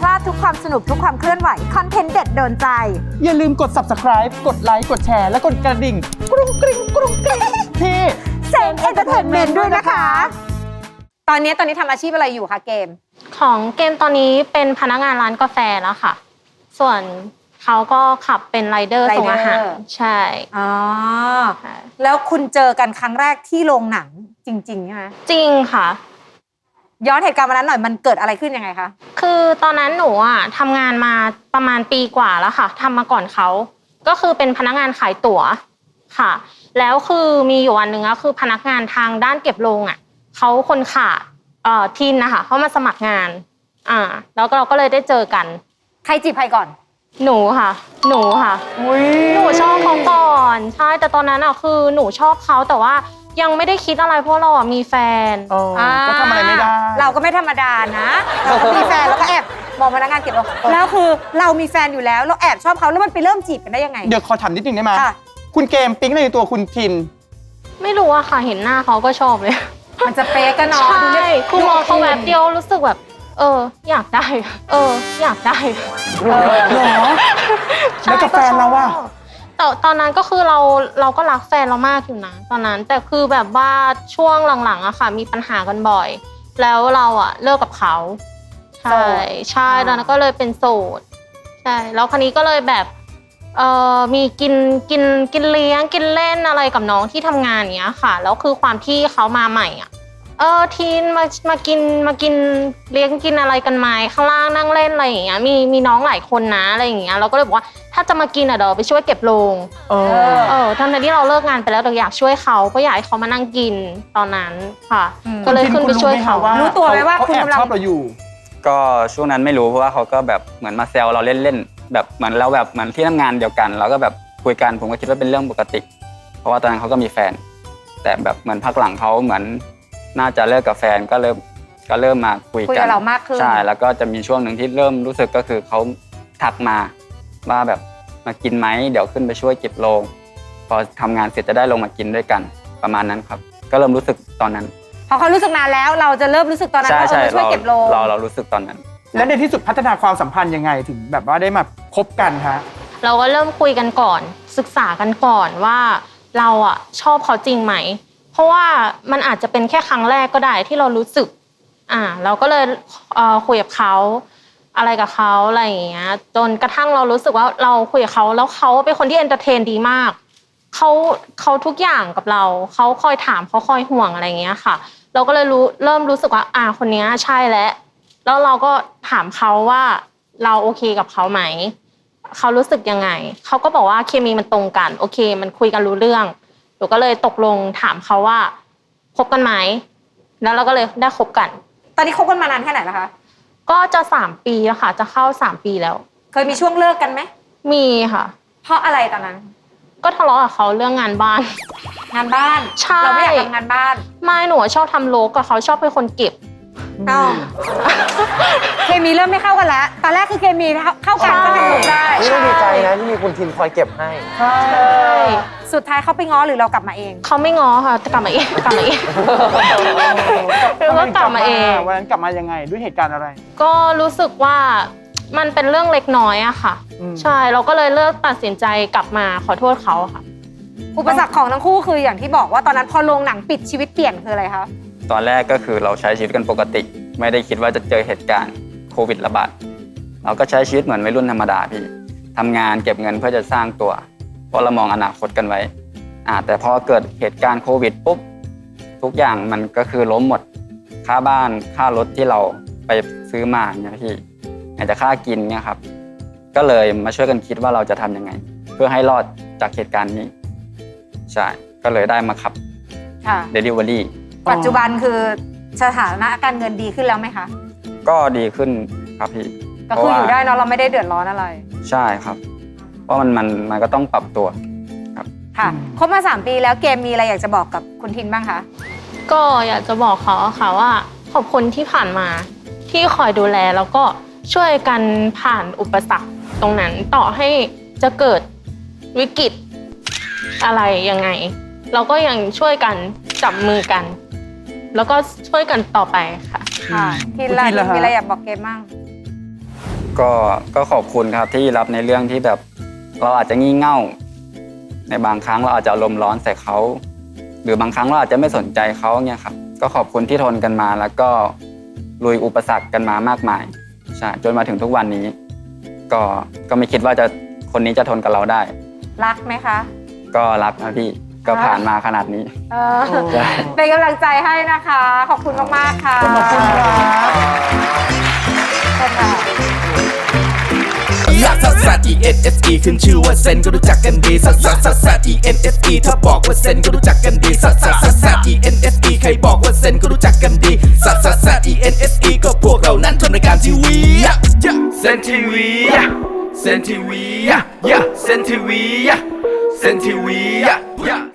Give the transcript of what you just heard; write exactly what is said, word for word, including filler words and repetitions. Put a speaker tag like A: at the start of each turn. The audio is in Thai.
A: ลาดทุกความสนุกทุกความเคลื่อนไหวคอนเทนต์เด็ดโดนใจ
B: อย่าลืมกด ซับสไครบ์ กดไลค์กดแชร์และกดกระดิ่งกรุงกริ๊งกรุงกริ๊งที่
A: เซนเอนเตอร์เทนเมนต์ด้วยนะคะตอนนี้ตอนนี้ทำอาชีพอะไรอยู่คะเกม
C: ของเกมตอนนี้เป็นพนักงานร้านกาแฟแล้วค่ะส่วนเขาก็ขับเป็นไรเดอร์ส่งอาหารใช่
A: อ๋อแล้วคุณเจอกันครั้งแรกที่โรงหนังจริงๆใช่ไหม
C: จริงค่ะ
A: ย้อนเหตุการณ์วันนั้นหน่อยมันเกิดอะไรขึ้นยังไงคะ
C: คือตอนนั้นหนูอ่ะทำงานมาประมาณปีกว่าแล้วค่ะทำมาก่อนเขาก็คือเป็นพนักงานขายตั๋วค่ะแล้วคือมีอยู่วันหนึ่งก็คือพนักงานทางด้านเก็บโรงอ่ะเขาคนขาดเอ่อทีนนะคะเขามาสมัครงานอ่าแล้วเราก็เลยได้เจอกัน
A: ใครจีบใครก่อน
C: หนูค่ะหนูค่ะหนูชอบเขาก่อนใช่แต่ตอนนั้นอ่ะคือหนูชอบเขาแต่ว่ายังไม่ได้คิดอะไรเพราะเราอ่ะมีแฟน
B: ก็ทำอะไรไม่ได้
A: เราก็ไม่ธรรมดานะเราก็มีแฟนแล้วก็แอบมองพนักงานเก็บโรงแล้วคือเรามีแฟนอยู่แล้วเราแอบชอบเขาแล้วมันไปเริ่มจีบกันได้ยังไง
B: เดี๋ยวขอถามนิดนึงได้ไหมคุณเกมปิ๊งในตัวคุณทิน
C: ไม่รู้อะค่ะเห็นหน้าเขาก็ชอบเลย
A: มันจะเป๊กกันเนาะ
C: ใช่คือมองเขาแบบเดียวรู้สึกแบบเอออยากได้เอออยากได้
B: เหรอแล้วกับแฟนเราอะ
C: แต่ตอนนั้นก็คือเราเราก็รักแฟนเรามากอยู่นะตอนนั้นแต่คือแบบว่าช่วงหลังๆอะค่ะมีปัญหากันบ่อยแล้วเราอะเลิกกับเขาใช่ใช่ตอนนั้นก็เลยเป็นโสดใช่แล้วคราวนี้ก็เลยแบบเอ่อมีกินกินกินเลี้ยงกินเล่นอะไรกับน้องที่ทำงานเนี้ยค่ะแล้วคือความที่เขามาใหม่อ่ะเออทีนมามากินมากินเลี้ยงกินอะไรกันไหมข้างล่างนั่งเล่นอะไรอย่างเงี้ยมีมีน้องหลายคนนะอะไรอย่างเงี้ยเราก็เลยบอกว่าถ้าจะมากินอ่ะเดี๋ยวไปช่วยเก็บโรงเออเออทั้งที่เราเลิกงานไปแล้วแต่อยากช่วยเขาเพราะอยากให้เขามานั่งกินตอนนั้นค่ะก็เลยขึ้นไปช่วยเขา
A: รู้ตัวไหมว่า
B: คุณกำลังชอบเราอยู่
D: ก็ช่วงนั้นไม่รู้เพราะว่าเขาก็แบบเหมือนมาแซวเราเล่นๆแบบเหมือนเราแบบเหมือนที่ทำงานเดียวกันเราก็แบบคุยกันผมก็คิดว่าเป็นเรื่องปกติเพราะว่าตอนนั้นเขาก็มีแฟนแต่แบบเหมือนพักหลังเขาเหมือนน่าจะเลิกกับแฟนก็เริ่มก็เริ่มมาคุยกันคุย
A: กับเรามากขึ้น
D: ใช่แล้วก็จะมีช่วงหนึ่งที่เริ่มรู้สึกก็คือเขาทักมาว่าแบบมากินไหมเดี๋ยวขึ้นไปช่วยเก็บโรงพอทำงานเสร็จจะได้ลงมากินด้วยกันประมาณนั้นครับก็เริ่มรู้สึกตอนนั้น
A: พอเขารู้สึกนานแล้วเราจะเริ่มรู้สึกตอนนั้นว่าเราช่วยเก็บโรง
D: เราเรารู้สึกตอนนั้น
B: แล้วในที่สุดพัฒนาความสัมพันธ์ยังไงถึงแบบว่าได้มาคบกันฮะ
C: เราก็เริ่มคุยกันก่อนศึกษากันก่อนว่าเราอ่ะชอบเขาจริงไหมเพราะว่ามันอาจจะเป็นแค่ครั้งแรกก็ได้ที่เรารู้สึกอ่าเราก็เลยเอ่อคุยกับเขาอะไรกับเขาอะไรอย่างเงี้ยจนกระทั่งเรารู้สึกว่าเราคุยกับเขาแล้วเขาเป็นคนที่เอนเตอร์เทนดีมากเขาเขาทุกอย่างกับเราเขาคอยถามเขาคอยห่วงอะไรอย่างเงี้ยค่ะเราก็เลยรู้เริ่มรู้สึกว่าอ่าคนนี้ใช่แล้วแล้วเราก็ถามเขาว่าเราโอเคกับเขาไหมเขารู้สึกยังไงเขาก็บอกว่าเคมีมันตรงกันโอเคมันคุยกันรู้เรื่องหนูก็เลยตกลงถามเขาว่าคบกันไหมแล้วเราก็เลยได้คบกัน
A: ตอนนี้คบกันมานานแค่ไหนแล้วคะ
C: ก็จะสามปีแล้วค่ะจะเข้าสามปีแล้ว
A: เคยมีช่วงเลิกกันไหม
C: มีค่ะ
A: เพราะอะไรตอนนั้น
C: ก็ทะเลาะกับเขาเรื่องงานบ้าน
A: งานบ้าน
C: ใช่
A: เราไม่อยากทำงานบ้าน
C: ไม่หนูชอบทำโลกกับเขาชอบเป็นคนเก็บ
A: อ้าวเคมีเริ่มไม่เข้ากันแล้วตอนแรกคือเคมีเข้ากันก็ทำโลกได้
E: นี่ดีใจนะที่มีคุณทินคอยเก็บให้
C: ใช่
A: สุดท้ายเขาไปง้อหรือเรากลับมาเอง
C: เขาไม่ง้อค่ะแต่กลับมาเองกลับมาเอง
B: ก็กลับมาเองวันนั้นกลับมายังไงด้วยเหตุการณ์อะไร
C: ก็รู้สึกว่ามันเป็นเรื่องเล็กน้อยอะค่ะใช่เราก็เลยเลือกตัดสินใจกลับมาขอโทษเขาค่ะ
A: อุปสรรคของทั้งคู่คืออย่างที่บอกว่าตอนนั้นพอโรงหนังปิดชีวิตเปลี่ยนคืออะไรคะ
D: ตอนแรกก็คือเราใช้ชีวิตกันปกติไม่ได้คิดว่าจะเจอเหตุการณ์โควิดระบาดเราก็ใช้ชีวิตเหมือนวัยรุ่นธรรมดาพี่ทำงานเก็บเงินเพื่อจะสร้างตัวเพราะเรามองอนาคตกันไว้อ่าแต่พอเกิดเหตุการณ์โควิดปุ๊บทุกอย่างมันก็คือล้มหมดค่าบ้านค่ารถที่เราไปซื้อมาเนี่ยพี่อาจจะค่ากินเนี่ยครับก็เลยมาช่วยกันคิดว่าเราจะทำยังไงเพื่อให้รอดจากเหตุการณ์นี้ใช่ก็เลยได้มาขับเดลิเวอรี่
A: ปัจจุบันคือสถานะการเงินดีขึ้นแล้วไหมคะ
D: ก็ดีขึ้นครับพี่
A: ก็คืออยู่ได้เนาะเราไม่ได้เดือดร้อนอะไร
D: ใช่ครับเพราะมันมันมันก็ต้องปรับตัวครับ
A: ค่ะคบมาสามปีแล้วเกมมีอะไรอยากจะบอกกับคุณทินบ้างคะ
C: ก็อยากจะบอกเขาค่ะว่าขอบคุณที่ผ่านมาที่คอยดูแลแล้วก็ช่วยกันผ่านอุปสรรคตรงนั้นต่อให้จะเกิดวิกฤตอะไรยังไงเราก็ยังช่วยกันจับมือกันแล้วก็ช่วยกันต่อไปค่ะ
A: ค่ะทินล่ะมีอะไรอยากบอกเกมบ้าง
D: ก็ก็ขอบคุณครับที่รับในเรื่องที่แบบเราอาจจะงี่เง่า ในบางครั้งเราอาจจะอารมณ์ร้อนใส่เขาหรือบางครั้งเราอาจจะไม่สนใจเขาเนี่ยครับก็ขอบคุณที่ทนกันมาแล้วก็ลุยอุปสรรคกันมามากมายใช่จนมาถึงทุกวันนี้ ก็ก็ไม่คิดว่าจะคนนี้จะทนกับเราได้
A: รักไหมคะ
D: ก็รักนะพี่ก็ผ่านมาขนาดนี้
A: เออเป็นกำลังใจให้นะคะ ขอบคุณมากๆค่ะ
B: ขอบคุณครับ
A: ขอบคุณค่ะ
F: ลักซัสซัส E N S E ขึ้นชื่อว่าเซนก็รู้จักกันดีซัสซัสซัสซัส E N S E ถ้าบอกว่าเซนก็รู้จักกันดีซัสซัสซัสซัส E N S E ใครบอกว่าเซนก็รู้จักกันดีซัสซัสซัส E N S E ก็พวกเรานั้นทำรายการทีวีเซนทีวีเซนทีวีเซนทีวีเซนทีวี